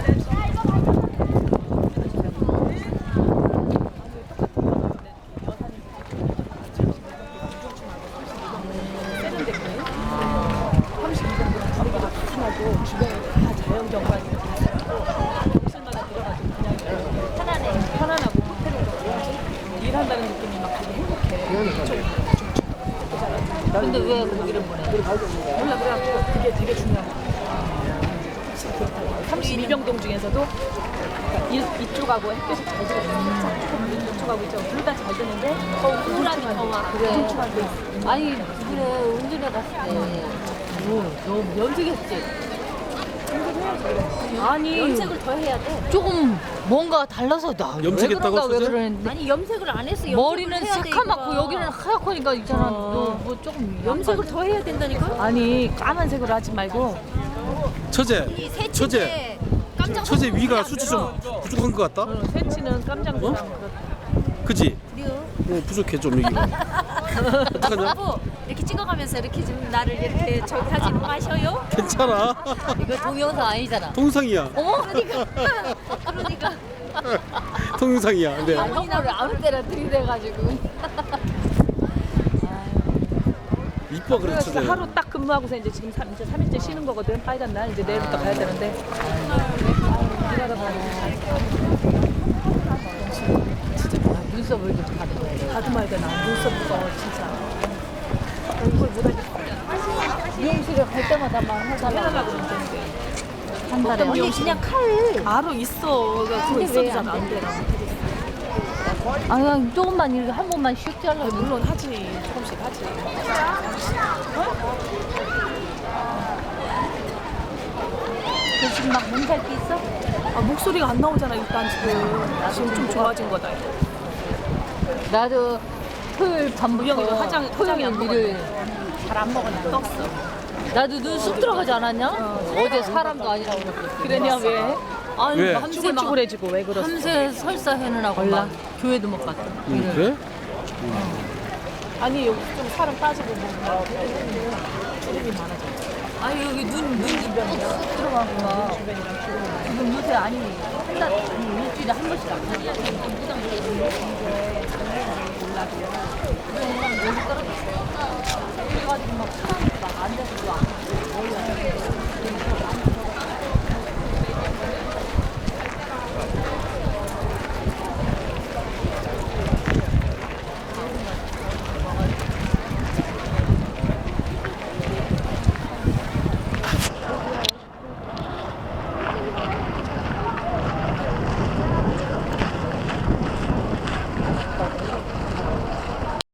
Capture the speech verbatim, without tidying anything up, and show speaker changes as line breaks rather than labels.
주변에 다 자연 경관이 무슨마다 들어가지고 그냥 편안해. 편안하고 호텔에서 뭐지? 일한다는 느낌이 막 되게 행복해.
근데 왜 거기를 보내?
몰라 그래갖고 그게 되게 중요한 거야. 삼십이 병동 중에서도 그러니까 이, 이쪽하고 햇볕이 잘 들어요. 조금 이쪽하고 이쪽 둘 다 잘 드는데 더 우울함이 더 와.
그래.
중충한 데 있어.
아니 그래 운전해 갔을 때 뭐, 너 염색했지? 아니
염색을 더 해야 돼.
조금 뭔가 달라서 나
염색했다고
왜 그런가 왜
소재?
그러는데
아니 염색을 안 했어. 염색을
머리는
해야 돼,
새카맣고
이거가.
여기는 하얗고니까 있잖아.
어.
너 뭐 조금
염색을 더 해야 된다니까.
아니 까만색으로 하지 말고
처제,
이 새치인데
처제,
깜짝
처제
놀라서
위가
안
수치
들어.
좀 부족한 것 같다.
어, 새치는 깜장보다
어?
그렇다.
그지?
그래요?
어, 부족해 좀 여기가. 어떡하냐?
여보 이렇게 찍어가면서 이렇게 좀 나를 이렇게 저기 하지 마셔요.
괜찮아.
이거 동영상 아니잖아.
동상이야.
어머
그러니까 그러니까
동상이야. 근데
아, 형부를 아무 때나 들이대가지고
이뻐 그래
그래서
처제.
하루 딱 근무하고서 이제 지금 삼, 이제 삼 일째 쉬는 거거든. 빨간 날 이제 내일부터 가야 되는데. 일하러 가야
눈썹을 좀 가지고
다듬어야 되나 눈썹부터 진짜. 이걸 못하겠어.
미용실에 갈 때마다만
해달라고
해달라고
그러는데.
한 달에
언니 그냥 칼.
알아 있어. 그거
근데
있어도
왜
잘 안 돼.
아 그냥 조금만 이렇게 한 번만 슉 잘라.
물론 하지. 조금씩 하지.
그 지금 막 몸살기 있어?
아, 목소리가 안 나오잖아 일단 지금. 지금 좀 좋아진 거다.
나도 토요일 밤부터
우영이도 화장- 화장이 안
토요일 일요일
잘 안 먹어. 나 떴어.
나도 눈 쑥 들어가지 않았냐? 어, 제 사람도 아니라고 그랬거든.
그러냐 왜?
아니
왜?
밤새 막
쭈글쭈글해지고 왜 그러지?
밤새 설사 해느라고 막 교회도 못 갔다.
응, 그래?
아니 여기 좀 살은 빠지고 뭔가 주름이 많아져.
아니 여기 눈 눈이 쑥 들어가고 막 지금 요새 아니 한 달 아니 일주일에 한 번씩 안 가냐? 여기 떨어졌어. 그래가지고 막 사람이 막 앉아서 막